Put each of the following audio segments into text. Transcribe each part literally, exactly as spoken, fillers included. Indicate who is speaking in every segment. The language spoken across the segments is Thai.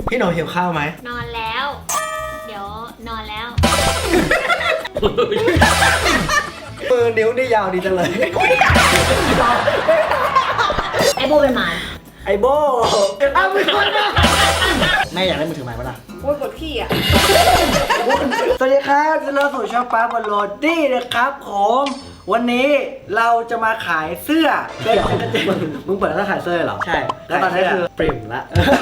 Speaker 1: พี่หนูหิวข้าวไหม
Speaker 2: นอนแล้ว เดี๋ยวนอนแล้ว
Speaker 1: มือนิ้วนี่ยาวดีจังเลย
Speaker 2: ไอโบเป็นหมา
Speaker 1: ไอโบอ้าวมือคนแม่อยากได้มือถือใหม่ปะล่ะ
Speaker 2: โอ้ยกดขี้อ่ะ
Speaker 1: สวัสดีครับเราสู่ช่องป้าบอลโรดี้นะครับผมวันนี้เราจะมาขายเสื้อเดี๋ยวมึงเปิดร้านขายเสื้อเหรอใช่แล้วตอนนี้คือปริ่มละ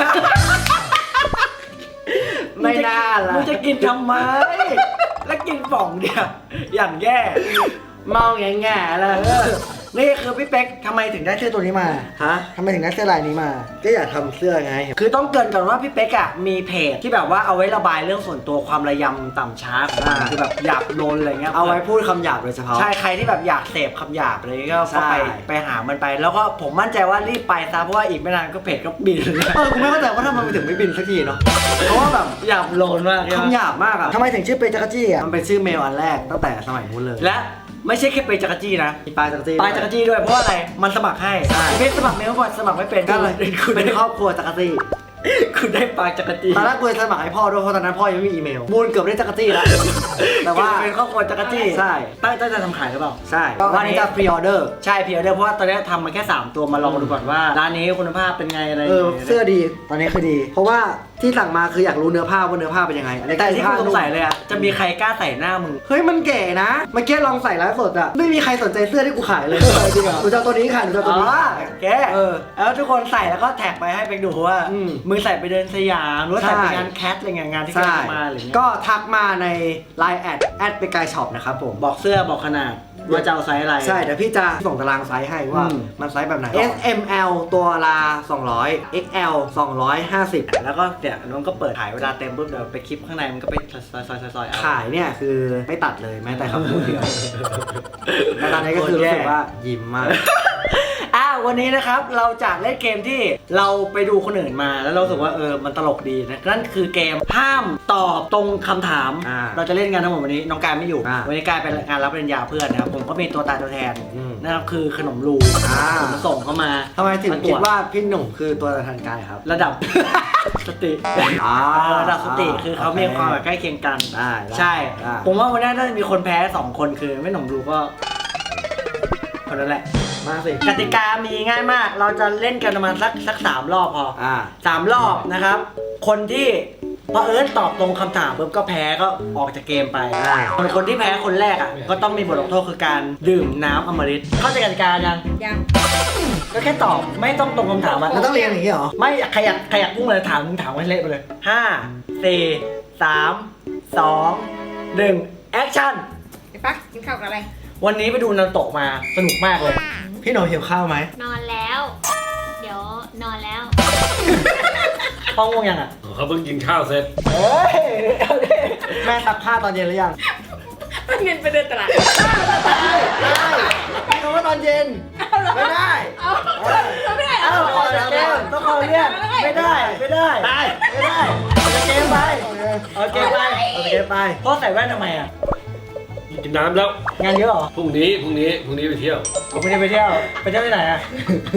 Speaker 1: ไม่น่าละมึงจะกินทำไมแล้วกินป่องเดียวอย่างแย่มองอย่างแง่เลยนี่คือพี่เป๊กทำไมถึงได้เสื้อตัวนี้มาฮะทำไมถึงได้เสื้อลายนี้มาก็อยากทำเสื้อไงคือต้องเกริ่นก่อนว่าพี่เป๊กอะมีเพจที่แบบว่าเอาไว้ระบายเรื่องส่วนตัวความระยำต่ำช้าของมันคือแบบหยาบโลนอะไรเงี้ยเอาไว้พูดคำหยาบโดยเฉพาะใช่ใครที่แบบอยากเสพคำหยาบอะไรก็ไปไปหามันไปแล้วก็ผมมั่นใจว่ารีบไปซะเพราะว่าอีกไม่นานก็เพจก็บินเออกูไม่เข้าใจว่าทำไมมันถึงไม่บินสักทีเนาะเพราะว่าแบบหยาบโลนมากคำหยาบมากอะทำไมถึงชื่อเปจักรจี้อะมันเป็นชื่อเมลอันแรกตั้งแต่สมัยนู้นเลยและไม่ใช่แค่เปจักรจี้นะปลายจักรจี้ปลายจักรจี้ด้วยเพราะอะไรมันสมัครให้เพจสมัครเมลก่อนสมัครไม่เป็นก็เลยคุณเป็นครอบครัวจักรจี้คุณได้ปลายจักรจี้ตอนแรกกูสมัครให้พ่อด้วยเพราะตอนนั้นพ่อยังไม่มีอีเมลบูนเกือบได้จักรจี้แล้วแต่ว่าเป็นครอบครัวจักรจี้ใช่ตั้งใจจะทำขายหรือเปล่าใช่วันนี้จะพรีออเดอร์ใช่พรีออเดอร์เพราะว่าตอนนี้ทำมาแค่สามตัวมาลองดูก่อนว่าร้านนี้คุณภาพเป็นไงอะไรเสื้อดีตอนนี้คือดีเพราะว่าที่สั่งมาคืออยากรู้เนื้อผ้าว่าเนื้อผ้าเป็นยังไงแต่ที่กูสงสัยเลยอะจะมีใครกล้าใส่หน้ามึงเฮ้ยมันเก๋นะเมื่อกี้ลองใส่ไลฟ์สดอะไม่มีใครสนใจเสื้อที่กูขายเลยจริงเหรอกูจะตัวนี้ค่ะกูจะตัวนี้แกเออแล้วทุกคนใส่แล้วก็แท็กไปให้ไปดูว่ามึงใส่ไปเดินสยามหรือว่าใส่ไปงานแคทอะไรเงี้ยงานที่แกมาอะไรเงี้ยก็ทักมาในไลน์แอดแอดไปไกลช็อปนะครับผมบอกเสื้อบอกขนาดว่าจะเอาไซส์อะไรใช่เดี๋ยวพี่จะส่งตารางไซส์ให้ว่ามันไซส์แบบไหน เอส เอ็ม แอล ตัวละสองร้อย เอ็กซ์ แอล สองร้อยห้าสิบแล้วก็เนี่ยน้องก็เปิดขายเวลาเต็มปุ๊บเดี๋ยวไปคลิปข้างในมันก็ไปซอยซอยซอยขายเนี่ยคือไม่ตัดเลยแม้แต่คำพูดเดียวแต่ตอนนี้ก็คือรู้สึกว่ายิ้มมากอ้าววันนี้นะครับเราจะเล่นเกมที่เราไปดูคนอื่นมาแล้วเราสึกว่าเออมันตลกดีนะนั่นคือเกมห้ามตอบตรงคำถามเราจะเล่นกันทั้งหมดวันนี้น้องกายไม่อยู่วันนี้กายเป็นงานรับปริญญาเพื่อนนะครับผมก็มีตัวตายตัวแทนนะครับคือขนมรูผมส่งเข้ามาทำไมถึงคิดว่าพี่หนุ่มคือตัวแทนกายครับระดับสติระดับสติคือเขามีความใกล้เคียงกันใช่ผมว่าวันนี้น่าจะมีคนแพ้สองคนคือไม่หนุ่มรูก็คนนั้นแหละมาสิกติกามีง่ายมากเราจะเล่นกันประมาณสักสักสามรอบพออ่าสามรอบนะครับคนที่พอเอิร์ธตอบตรงคำถามปุ๊บก็แพ้ก็ออกจากเกมไปส่วนคนที่แพ้คนแรกอ่ะก็ต้องมีบทลงโทษคือการดื่มน้ำอมฤตเข้าใจกติกายังยังก็แค่ตอบไม่ต้องตรงคำถามมันต้องเรียนอย่างนี้เหรอไม่ขยักขยักพุ่งเลยถามมึงถามให้เละไปเลยห้าสี่สามสองหนึ่งแอคชั่น
Speaker 2: ไอ้ปักกินข้าวกับอะไร
Speaker 1: วันนี้ไปดูนารูโตะมาสนุกมากเลยพี่หนูหิวข้าวไหม
Speaker 2: นอนแล้ว เดี๋ยวนอนแล้ว
Speaker 1: พ่อง่วงยังอ่ะ
Speaker 3: เขาเพิ่งกินข้าวเสร็จ
Speaker 1: เฮ้ยแม่ซักผ้าตอนเย็นหรือยัง
Speaker 2: มันเงินไปเดินตลาด
Speaker 1: ได้ได้ไม่รู้ว่าตอนเย็นไม่ได้
Speaker 2: ไม่ได้เอา
Speaker 1: ออกจากเกมต้องขอเรียกไม่ได้ไม่ได้ไม่ได้ออกจากเกมไปออกจากเกมไปออกจากเกมไปพ่อใส่แว่นทำไมอ่ะ
Speaker 3: กินน้ำแล้ว
Speaker 1: งานเยอะเหรอ
Speaker 3: พรุ่งนี้พรุ่งนี้พรุ่งนี้ไปเที่ยว
Speaker 1: ผมไม่ได้ไปเที่ยวไปเที่ยวที่ไหนอ่ะ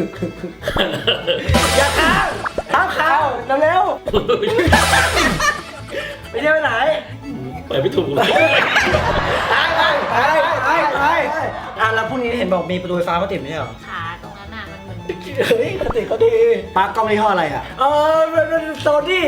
Speaker 1: อย่าค้างข้าวข้าวเร็วๆไปเที่ยวที่ไหน
Speaker 3: ไปไม่ถูก
Speaker 1: ไปไปไปไปไปอ่ะแล้วพรุ่งนี้เห็นบอกมีประตูไฟฟ้ามาติดไม่ใช่เหรอ
Speaker 2: ขาตรงนั้นน่ะมันเหมือน
Speaker 1: เฮ้ยเขาติดเขาดีปลั๊กกล้องยี่ห้ออะไรอ่ะเออโซนี่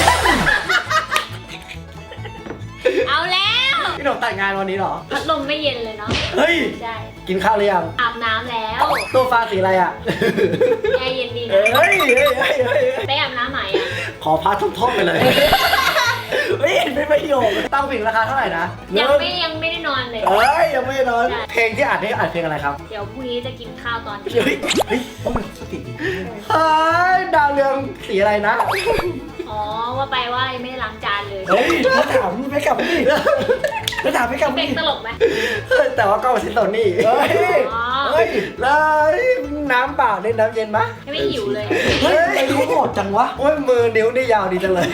Speaker 2: เอาแล้ว
Speaker 1: พี่หนุ่มแต่งงานวันนี้เหรอ
Speaker 2: พัดลมไม่เย็นเลยเนาะ
Speaker 1: เฮ้ย
Speaker 2: ใช่
Speaker 1: กินข้าวหรือยัง
Speaker 2: อาบน้ำแล้ว
Speaker 1: ตัวฟ้าสีอะไรอ่ะ
Speaker 2: แอร์เย็นดี
Speaker 1: นะเฮ้ยเฮ้ยเฮ้ยเฮ้ย
Speaker 2: ไปอาบน้ำใหม่อ่ะ
Speaker 1: ขอพาทุ่มๆไปเลยเฮ้ยเป็นประโยชน์ตั้งผิงราคาเท่าไหร่นะ
Speaker 2: ยังไม่ยังไม่ได้นอนเลย
Speaker 1: เฮ้ยยังไม่ได้นอนเพลงที่อัดนี่อัดเพลงอะไรครับ
Speaker 2: เดี๋ยวพรุ่งนี้จะกินข้าวตอน
Speaker 1: เฮ้ยเฮ้ยโอ้ยสติเฮ้ยดาวเรืองสีอะไรนะ
Speaker 2: อ๋อว่าไปว่าไม่ได้ล้างจานเลย
Speaker 1: เฮ้ยมาถามไปกลับนี่มาถามไปกลับ
Speaker 2: นี่เป็นตลกไหม
Speaker 1: แต่ว่าก็มาชิ้นตอนนี้เฮ้ยเฮ้ยเลยน้ำเปล่าเล่นน้ำเย็นปะ
Speaker 2: ไม่หิวเลย
Speaker 1: เฮ้ยไอ้รู้หมดจังวะโอ้ยมือนิ้วนี่ยาวดีจังเลย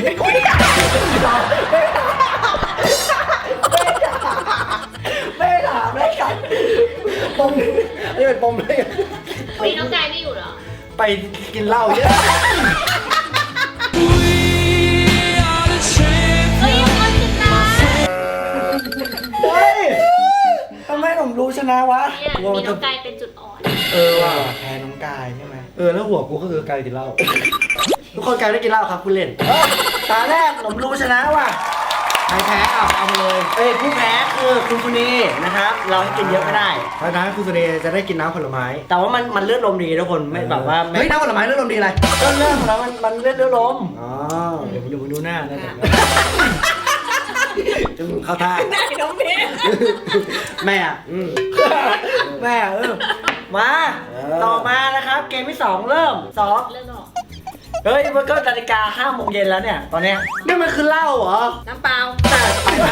Speaker 1: ไม่ถามไม่กันปมนี่เป็นปมเลย
Speaker 2: พี่น้องกายไม่อยู่เหรอ
Speaker 1: ไปกินเหล้าเยอะ
Speaker 2: มีน้องกายเป็นจุดอ่อน
Speaker 1: เออว่ะแพ้น้องกายใช่ไหม
Speaker 4: เออแล้วหัวกูก็คือกายกินเหล้า
Speaker 1: ทุกคนกายได้กินเหล้าครับคุณเล่นเออตาแรกผมรู้ชนะว่ะใครแพ้เอาเอามาเลยเอ้ยผู้แพ้คือคุณคุณนีนะครับ เราให้กินเยอะไม่ได้
Speaker 4: เพราะฉะนั้นคุณสุเดย์จะได้กินน้ำผลไม้
Speaker 1: แต่ว่ามันมันเลือดลมดีทุกคนไม่แบบว่าไม่
Speaker 4: เฮ้ยน้ำผลไม้เลือดลมดีอะไร
Speaker 1: ก็เรื่องของเรามันมันเลือดเลือดลม
Speaker 4: อ๋อเดี๋ยวมึงดูมึงดูหน้านะเดี๋ยวนะ
Speaker 1: จะมึงเข้าท่า
Speaker 2: ได้น้องเบส
Speaker 1: แม่อะ
Speaker 4: อืม
Speaker 1: แม่เออมา
Speaker 4: เออ
Speaker 1: ต่อมานะครับ เกมที่สองเริ่มสอง
Speaker 2: เรื่องหรอก
Speaker 1: เฮ้ยมันก็นาฬิกาห้าโมงเย็นแล้วเนี่ยตอนเนี้ยนี่มันคือเหล้าเหรอ
Speaker 2: น้ำเปล่า
Speaker 1: แต่ไปนะ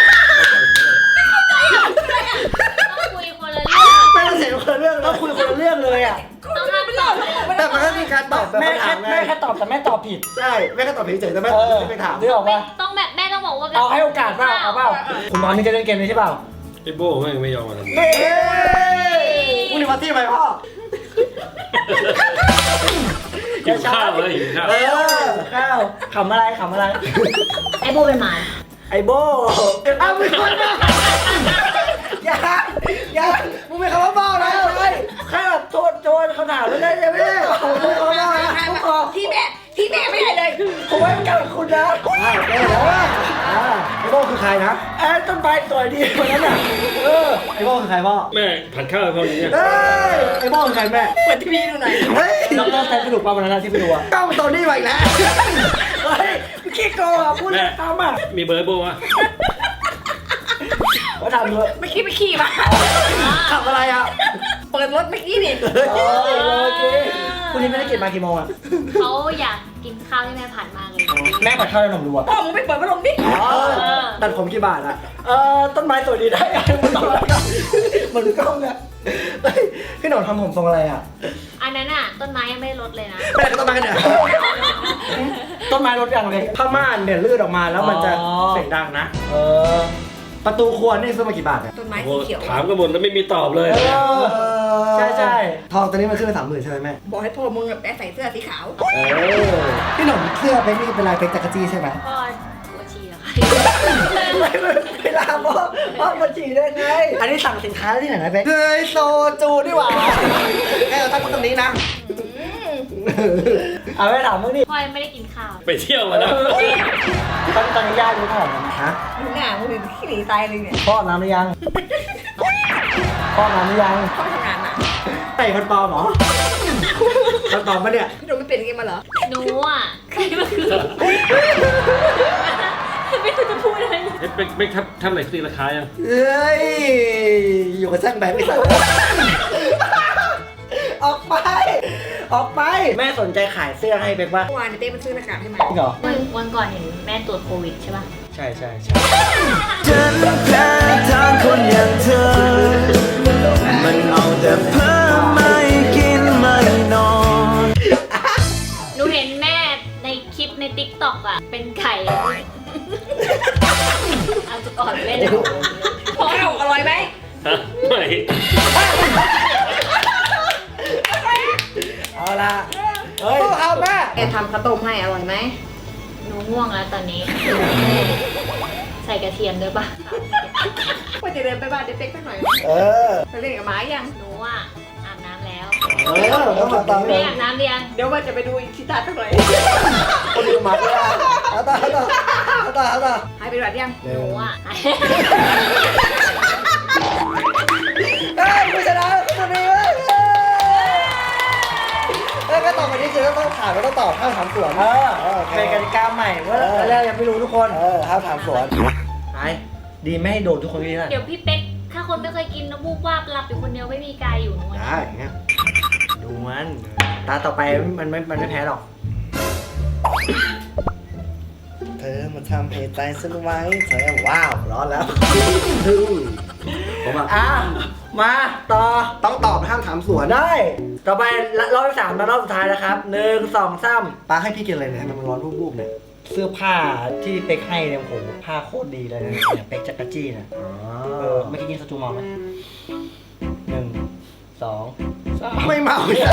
Speaker 2: ต้องคุยคนละเรื่อง
Speaker 1: ไม่ต้องเสียคนละเรื่องต้องคุยคนละเรื่องเลยอ่ะ
Speaker 2: ต้องห้ามตอบเลย
Speaker 4: แต่มันก็มีการตอบ
Speaker 1: แม่
Speaker 4: คำ
Speaker 1: แค่
Speaker 4: ถามไง
Speaker 1: แม่แค่ตอบแต่แม่ตอบผิด
Speaker 4: ใช่แม่ก็ตอบผิดเฉยแต่แม่
Speaker 1: เออ
Speaker 4: ไม่ไปถาม
Speaker 1: นึกออก
Speaker 2: ไม่
Speaker 1: ปะ
Speaker 2: ต้องแบบแม่ต้องบอกว่า
Speaker 1: เอาให้โอกาสเปล่าเอาเปล่าคุณน้องนี่จะเล่นเกมนี้ใช่เปล่า
Speaker 3: ไอ้โบ้ไม่งไม่ยอมมาทำ
Speaker 1: นี่
Speaker 4: คุณนี่มาที่ไหมพ่อ
Speaker 3: หิวข้าวเลยหิวข้าว
Speaker 1: เออข้าวขำอะไรขำอะไร
Speaker 2: ไอ้โบเป็นหมา
Speaker 1: ไอโบอ้าวไม่คนมาอย่าอย่ามึงไม่คำว่าบ้านะเลยแค่แบบโทษโทษเขาถามไม่ได้ใช่ไหมผมไม่คำว่าบ้านะผมขอ
Speaker 2: ที่แม่ที่แม่ไม่ได้เลย
Speaker 1: ผมไว้กับคุณนะ
Speaker 4: อ่าแม่แล้วว่าอ่าไอ้โบ้คือใครนะ
Speaker 1: ไอ้ต้นไม้สวยดีคนนั้นอ่ะเออ
Speaker 4: ไอ้โบ้คือใครพ่อ
Speaker 3: แม่ผัดข้าวให้พ่ออย่างเงี้ย
Speaker 4: เฮ้ยไอ้โบ้คือใครแม่
Speaker 2: เปิดทีวีดูหน่อย
Speaker 4: เฮ้ย
Speaker 1: น้องน้องใช้สนุกป่ะวันนั้นที่ไปดูอ่ะ
Speaker 4: กล้องตัวนี้มาอีกแล้ว
Speaker 1: เฮ้ยขี้โกงอ่ะพูดเล่นตามอ่ะ
Speaker 3: มีเบอร์ไอ้โบ้วะ
Speaker 1: ว่าทำเลย
Speaker 2: ไม่คิดไปขี่มา
Speaker 1: ขับอะไรอ่ะ
Speaker 2: เปิดรถเมื่อกี้นี่
Speaker 1: โอเคคุณนี่ไม่ได้กินมากี่โมงอ่ะ
Speaker 2: เขาอยากกินข้าวที่แม่ผัดมากเลย
Speaker 1: แม่ผัดข้าวให้หนมดูอ่ะ
Speaker 2: พ่อมึงไปเปิดพัดลมดิ
Speaker 1: อ๋อตัดผมกี่บาทอ่ะเออต้นไม้สวยดีได้ไงมันต่อแล้วกันเหมือนกล้องอ่ะ
Speaker 4: เฮ้ยพี่หนอนทำผมทรงอะไรอ่ะ
Speaker 2: อันนั้นอ่ะต้นไม้ยังไม่ได้ลดเลยนะ
Speaker 4: แม่ก็ต้องมากันเนี่ย
Speaker 1: ต้นไม้ลดอย่างเลย
Speaker 4: ผ้าม่านเนี่ยลื่นออกมาแล้วมันจะ
Speaker 1: อ๋อ
Speaker 4: เสียงดังนะ
Speaker 1: เออ
Speaker 4: ประตูครัวนี่ซื้อมากี่บาทเนี่ย
Speaker 2: ต้นไม้
Speaker 3: โอ้
Speaker 2: สี
Speaker 3: โห
Speaker 2: เขียว
Speaker 3: ถามกันหมดแล้วไม่มีตอบเลย
Speaker 1: เออ ใช่ใช่
Speaker 4: ทองตัวนี้มันขึ้นไปสามหมื่นใช่ไหมแม่
Speaker 2: บอกให้พ่อมึงแปะใส่เสื้อสีขาว
Speaker 4: เออพี่หนุ่มเสื้อเป็นนี่เป็นลายเป็นจักรจี้ใช่ไหม
Speaker 2: พ่อหัวชีเหรอคะ
Speaker 1: เวลาพ่อพ่อมาฉี่ได้ไง อันนี้สั่งสินค้าที่ไหนนะเป๊ก
Speaker 4: เฮ้ยโซจูนี่หว่าแค่เราตั้งตรงนี้นะ
Speaker 1: เอาไปถามมึงดิ
Speaker 2: พ่อยังไม่ได้กินข้าว
Speaker 3: ไปเที่ยวมาแล้ว
Speaker 1: ตอนตอนนี้ย่ารู้เท่าไหร่นะฮะ
Speaker 2: มึงหน้ามึงเป็นขี้หนีตายเลยเนี่ย
Speaker 1: พ่ออาบน้ำหรือยังพ่ออาบน้ำหรือยัง
Speaker 2: พ่อทำงานหนัก
Speaker 4: ไต่คนปลอมเหรอคนปลอมปะเนี่ย
Speaker 2: พี่โดมไม่เป็นอย่างงี้มาเหรอหนูอ่ะใครมาคือไม่รู้จะพูดอะไร
Speaker 3: เอ๊ะเป็นเป็นทำทำอะไรตีราคายัง
Speaker 4: เอ้ยอยู่กับช่างแบงค์ไม่ใช่
Speaker 1: ออกไป ออกไป แม่สนใจขายเสื้อให้เป๊กป่ะ
Speaker 2: เมื่อวานเต้มันซื้อหน้ากากให้มา
Speaker 1: จริงเหรอ
Speaker 2: วันวันก่อนเห็นแม่ตรวจโควิดใช่ป่ะ
Speaker 1: ใช่ใช่ใช่
Speaker 5: ฉันแพ้ทางคนอย่างเธอ มันเอาแต่เพ้อไม่กินไม่นอน
Speaker 2: หนูเห็นแม่ในคลิปในติ๊กต็อกอ่ะ เป็นไข่เอาจุก่อนเล่นเลยพอเอาอร่อยไหม
Speaker 3: ฮะไม่
Speaker 1: เอาละเฮ้ยเอาแม่
Speaker 2: แกทำข้าวต้มให้อร่อยไหมหนูง่วงแล้วตอนนี้ ใส่กระเทียมด้วยป่ะว่าจะเดินไปบ้านเด็กๆสักหน่อย
Speaker 4: เออ
Speaker 2: ไปเล่นกับหมายังหนูอ่ะอาบน้ำแล้ว
Speaker 4: เออต้องมาตาม
Speaker 2: แม่อาบน้ำหรือยังเดี๋ยวว่าจะไปดูอีกชิตาสักหน่อย
Speaker 4: คนดูหมาก็ได้เอาต่อเอาต่อเอาต่อเอาต่อ
Speaker 2: หายไปหรือยังหนูอ่ะ
Speaker 4: เฮ้ยผู้ชนะตัวนี้เว้ยเอ้ยก็ต่อไปนี้คือต้องถามก็ต้องตอบห้ามถามสวน
Speaker 1: เออ
Speaker 4: เออโอเค
Speaker 1: เป็นกติกาใหม่ว่า
Speaker 4: เออ
Speaker 1: แรกยังไม่รู้ทุกคน
Speaker 4: เออห้ามถามสวน
Speaker 1: ไปดีไม่ให้โดนทุกคนที่นั่น
Speaker 2: เดี๋ยวพี่เป๊กถ้าคนไม่เคยกินน้ำมูกว่าบหลับอยู่คนเดียวไม่มีกายอยู่หนู
Speaker 4: ได้อย่างเงี้ย
Speaker 1: ดูมันตาต่อไปมันไม่มันไม่แพ้หรอก
Speaker 4: เธอมาทำเหตุใจฉันไว้เธอว้าวร้อนแล้ว ผมอ่ะ
Speaker 1: อ่ะมาต่อ
Speaker 4: ต้องตอบห้ามถามสวน
Speaker 1: ได้ ต่อไปรอบที่สามและรอบสุดท้ายนะครับหนึ่งสองสาม
Speaker 4: ป้าให้พี่กินอะไรเนี่ยทำไมมันร้อนบูบๆเนี่ย
Speaker 1: เสื้อผ้าที่เป๊กให้เนี่ยโหผ้าโคตรดีเลยนะเนี่ยเป๊กจักรจี้นะ
Speaker 4: อ๋อ
Speaker 1: เออเมื่อกี้กินสตูมอลไหมหนึ่งสองสาม
Speaker 4: ไม่เมา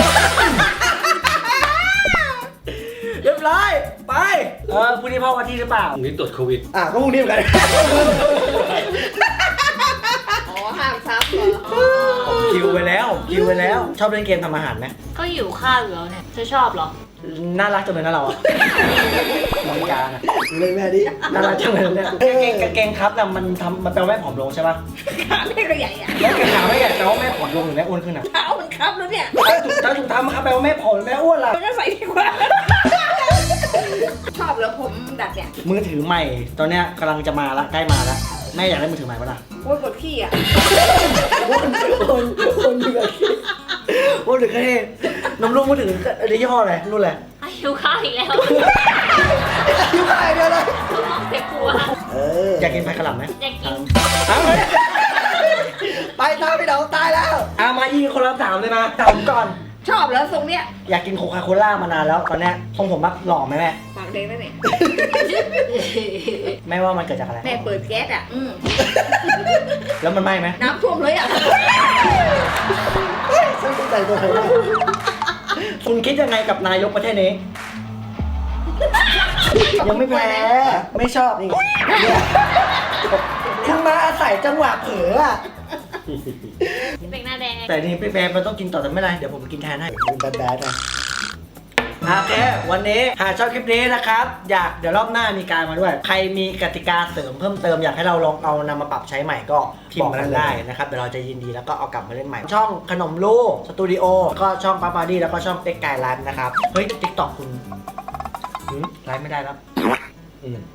Speaker 1: เรียบร้อยไปเออพรุ่งนี้พ่อวันที่หรือเปล่า
Speaker 3: พรุ่งนี้ตรวจโควิด
Speaker 4: อ่ะก็พรุ่งนี้เหมือนกัน
Speaker 2: อ๋อห้ามซับเหรอ
Speaker 1: คิวไปแล้วคิวไปแล้ว ชอบเล่นเกมทำอาหารไหม
Speaker 2: ก็หิวข้าวอยู่แล้วเนี่ยเธอชอบเหรอ
Speaker 1: น่ารักจังเลยนะเราอะมองการอะ
Speaker 4: เลยแม่ดิ
Speaker 1: น่ารักจังเลยเนี่ยกางเกงกางเกงครับแต่มันทำมันแปลว่าแม่ผอมลงใช่ปะ
Speaker 6: ขาแม่ก็ใหญ่อะ
Speaker 1: แล้วกางขาไม่ใหญ่แปลว่าแม่ผอมลงหรือแม่อ้วนขึ้นอะ
Speaker 6: เท้ามันครับแล้วเนี่ย
Speaker 1: ถ้าถุงเท้ามาครับแปลว่าแม่ผอมหรือแม่อ้วนล่ะ
Speaker 6: มันก็ใส่ดีกว่า ชอบแล้วผมดัดเนี่ย
Speaker 1: มือถือใหม่ตอนเนี้ยกำลังจะมาละใกล้มาละแม่อยากได้มือถือใหม่ปะล่ะ
Speaker 6: โอ้ยกดขี้อ่ะ
Speaker 1: คนคนคนเหลือขี้คนเหลือแค่น้ำลูกมือถืออะไรยี่ห้ออะไรรุ่นอะไร
Speaker 2: หิวข้าวอีกแล้ว
Speaker 1: ยี่ห้ออะไรเดียวเลย
Speaker 2: ท้องเจ็บหัว
Speaker 4: เออ
Speaker 1: อยากกินผัดกะหล่ำไหม
Speaker 2: อยากกิน
Speaker 1: เอาเลยไปตามไปเดาตายแล้วอามายิงคนละถามเลยมาถามก่อน
Speaker 6: ชอบแล้วทรงเนี้ย
Speaker 1: อยากกินโคคาโคล่ามานานแล้วตอนเนี้ยทรงผมแบบหล่อไหมแม่
Speaker 6: ปากแดงแล้วเนี่ย
Speaker 1: แม่ว่ามันเกิดจากอะไร
Speaker 6: แม่เปิดแก๊สอ่ะ อืม
Speaker 1: แล้วมันไหม้ไหม
Speaker 6: น้ำท่วมเลยอ่ะ
Speaker 4: ฉันต้องใจตัวเธอมาก
Speaker 1: คุณคิดยังไงกับนายกประเทศนี้ ยังไม่แพ้ไม่ชอบนี่เนี่ยคุณมาอาศัยจังหวะเผลออะ
Speaker 2: เป็นหน้าแดง
Speaker 1: แต่นี่พี่แบร์มันต้องกินต่อแต่ไม่เป็นไรเดี๋ยวผมกินแทนให้
Speaker 4: มึงแบดแบดนะ
Speaker 1: โอเควันนี้หากชอบคลิปนี้นะครับ อยากเดี๋ยวรอบหน้ามีการมาด้วย ใครมีกติกาเสริมเพิ่มเติมอยากให้เราลองเอานำมาปรับใช้ใหม่ก็บอกกันได้นะครับเดี๋ยวเราจะยินดีแล้วก็เอากลับมาเล่นใหม่ ช่องขนมลูกสตูดิโอก็ช่องปาปาดี้แล้วก็ช่องเป็กไก่ไลฟ์นะครับเฮ้ยติ๊กต็อกคุณหืมไลฟ์ไม่ได้แล้ว
Speaker 3: อืม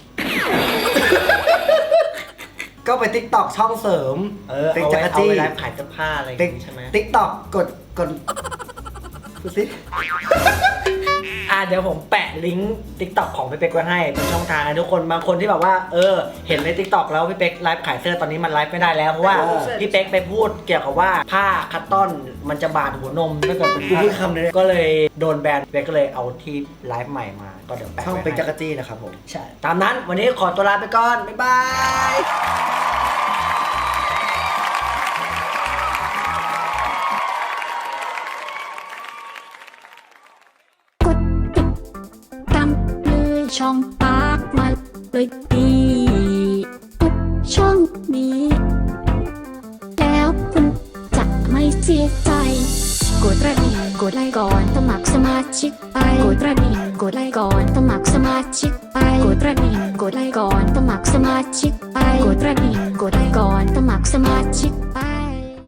Speaker 1: ก็ไปติ๊กต็อกช่องเสริม
Speaker 4: เออ
Speaker 1: ติ๊ก
Speaker 4: เอา
Speaker 1: จั
Speaker 4: ไว้
Speaker 1: กร
Speaker 4: เอา
Speaker 1: จี้
Speaker 4: ไว้
Speaker 1: ไล
Speaker 4: ไลฟ์
Speaker 1: ฟ์ขายเสื้อผ้าอะไรอย่าง
Speaker 4: ติ๊ก
Speaker 1: งี้ใช่ไหม
Speaker 4: ติ๊กต็อกกดกดดูสิ
Speaker 1: อ่าเดี๋ยวผมแปะลิงก์ติ๊กต็อกของพี่เป๊กไว้ให้เป็นช่องทางนะทุกคนบางคนที่แบบว่าเออเห็นในติ๊กต็อกแล้วพี่เป๊กไลฟ์ขายเสื้อตอนนี้มันไลฟ์ไม่ได้แล้วเพราะว่าพี่เป๊กไปพูดเกี่ยวกับว่าผ้าคัตตอนมันจะบาดหัวนมถ้าเกิดเป็น
Speaker 4: กู
Speaker 1: ผ้า
Speaker 4: พูดคำนี้
Speaker 1: ก็เลยโดนแบนพี่เป๊กก็เลยเอาที่ไลฟ์ใหม่มาก็เดี๋ยวแปะ
Speaker 4: ช่อง
Speaker 1: ไว้
Speaker 4: เป็นจัก
Speaker 1: ให้
Speaker 4: รจี้นะครับผม
Speaker 1: ใช่ตามนั้นวันนี้ขอตัวลาไปก่อนบ๊ายบาย
Speaker 7: ตามเลยช่องปากมาเลยดีทุกช่องนี้ แล้วคุณจะไม่เสียใจ กดกระดิ่งกดไลค์ก่อนสมัครสมาชิกไปกดกระดิ่งกดไลค์ก่อนสมัครสมาชิกไปกดกระดิ่งกดไลค์ก่อนสมัครสมาชิกไปกดกระดิ่งกดไลค์ก่อนสมัครสมาชิกไป